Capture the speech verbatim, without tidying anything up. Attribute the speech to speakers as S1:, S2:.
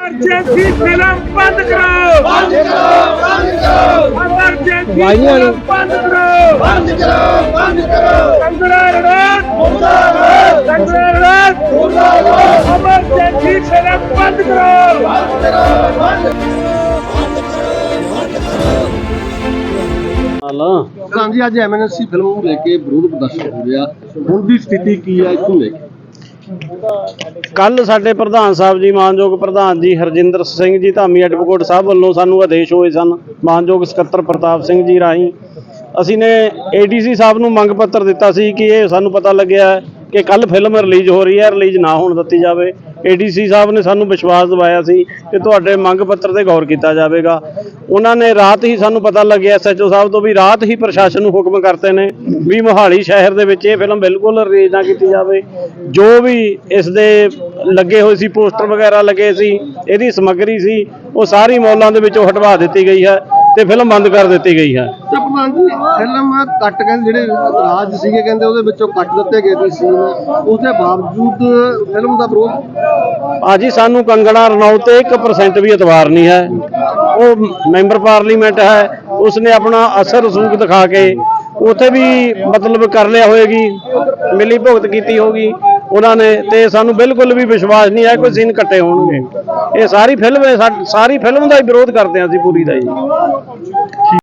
S1: Emergency film बंद करो, बंद करो, बंद करो। इमरजेंसी फिल्म बंद करो, बंद करो, बंद करो। कंगना रनौत मुर्दाबाद, कंगना रनौत मुर्दाबाद। इमरजेंसी फिल्म बंद करो, बंद करो, बंद करो।
S2: ਪ੍ਰਧਾਨ ਜੀ ਅੱਜ ਐਮਐਨਸੀ ਫਿਲਮ ਨੂੰ ਲੈ ਕੇ ਵਿਰੋਧ ਪ੍ਰਦਰਸ਼ਨ ਹੋ ਰਿਹਾ, ਹੁਣ ਦੀ ਸਥਿਤੀ ਕੀ ਹੈ ਇਸ ਨੂੰ ਲੈ ਕੇ?
S3: ਕੱਲ ਸਾਡੇ ਪ੍ਰਧਾਨ ਸਾਹਿਬ ਜੀ, ਮਾਨਯੋਗ ਪ੍ਰਧਾਨ ਜੀ ਹਰਜਿੰਦਰ ਸਿੰਘ ਜੀ ਧਾਮੀ ਐਡਵੋਕੇਟ ਸਾਹਿਬ ਵੱਲੋਂ ਸਾਨੂੰ ਆਦੇਸ਼ ਹੋਏ ਸਨ, ਮਾਨਯੋਗ ਸਕੱਤਰ ਪ੍ਰਤਾਪ ਸਿੰਘ ਜੀ ਰਾਹੀਂ ਅਸੀਂ ਨੇ ਏਡੀਸੀ ਸਾਹਿਬ ਨੂੰ ਮੰਗ ਪੱਤਰ ਦਿੱਤਾ ਸੀ ਕਿ ਇਹ ਸਾਨੂੰ ਪਤਾ ਲੱਗਿਆ ਕਿ ਕੱਲ ਫਿਲਮ ਰਿਲੀਜ਼ ਹੋ ਰਹੀ ਹੈ, ਰਿਲੀਜ਼ ਨਾ ਹੋਣ ਦਿੱਤੀ ਜਾਵੇ। ਏਡੀਸੀ ਸਾਹਿਬ ਨੇ ਸਾਨੂੰ ਵਿਸ਼ਵਾਸ ਦਿਵਾਇਆ ਸੀ ਕਿ ਤੁਹਾਡੇ ਮੰਗ ਪੱਤਰ ਤੇ ਗੌਰ ਕੀਤਾ ਜਾਵੇਗਾ। ਉਹਨਾਂ ਨੇ ਰਾਤ ਹੀ ਸਾਨੂੰ ਪਤਾ ਲੱਗਿਆ ਐਸਐਚਓ ਸਾਹਿਬ ਤੋਂ ਵੀ ਰਾਤ ਹੀ ਪ੍ਰਸ਼ਾਸਨ ਨੂੰ ਹੁਕਮ ਕਰਤੇ ਨੇ ਵੀ ਮੋਹਾਲੀ ਸ਼ਹਿਰ ਦੇ ਵਿੱਚ ਇਹ ਫਿਲਮ ਬਿਲਕੁਲ ਰਿਲੀਜ਼ ਨਾ ਕੀਤੀ ਜਾਵੇ। ਜੋ ਵੀ ਇਸ ਦੇ ਲੱਗੇ ਹੋਏ ਸੀ, ਪੋਸਟਰ ਵਗੈਰਾ ਲੱਗੇ ਸੀ, ਇਹਦੀ ਸਮੱਗਰੀ ਸੀ, ਉਹ ਸਾਰੀ ਮੌਲਾਂ ਦੇ ਵਿੱਚੋਂ ਹਟਵਾ ਦਿੱਤੀ ਗਈ ਹੈ ਤੇ ਫਿਲਮ ਬੰਦ ਕਰ ਦਿੱਤੀ ਗਈ ਹੈ।
S2: ਤਾਂ ਪ੍ਰਧਾਨ ਜੀ ਫਿਲਮ ਕੱਟ ਕਹਿੰਦੇ ਜਿਹੜੇ ਰਾਜ ਸੀਗੇ ਕਹਿੰਦੇ ਉਹਦੇ ਵਿੱਚੋਂ ਕੱਟ ਦਿੱਤੇ ਗਏ ਸੀ ਸੀਨ, ਉਸਦੇ ਬਾਵਜੂਦ ਫਿਲਮ ਦਾ ਵਿਰੋਧ।
S3: ਭਾਜੀ ਸਾਨੂੰ ਕੰਗਣਾ ਰਣੌਤ ਤੇ ਇੱਕ ਪਰਸੈਂਟ ਵੀ ਇਤਬਾਰ ਨਹੀਂ ਹੈ। ਉਹ ਮੈਂਬਰ ਪਾਰਲੀਮੈਂਟ ਹੈ, ਉਸਨੇ ਆਪਣਾ ਅਸਰ ਰਸੂਖ ਦਿਖਾ ਕੇ ਉੱਥੇ ਵੀ ਮਤਲਬ ਕਰ ਲਿਆ ਹੋਏਗੀ, ਮਿਲੀ ਭੁਗਤ ਕੀਤੀ ਹੋਗੀ ਉਹਨਾਂ ਨੇ, ਤੇ ਸਾਨੂੰ ਬਿਲਕੁਲ ਵੀ ਵਿਸ਼ਵਾਸ ਨਹੀਂ ਹੈ ਕੋਈ ਸੀਨ ਕੱਟੇ ਹੋਣਗੇ। ਇਹ ਸਾਰੀ ਫਿਲਮ ਸਾਰੀ ਫਿਲਮ ਦਾ ਹੀ ਵਿਰੋਧ ਕਰਦੇ ਹਾਂ ਅਸੀਂ ਪੂਰੀ ਦਾ ਜੀ।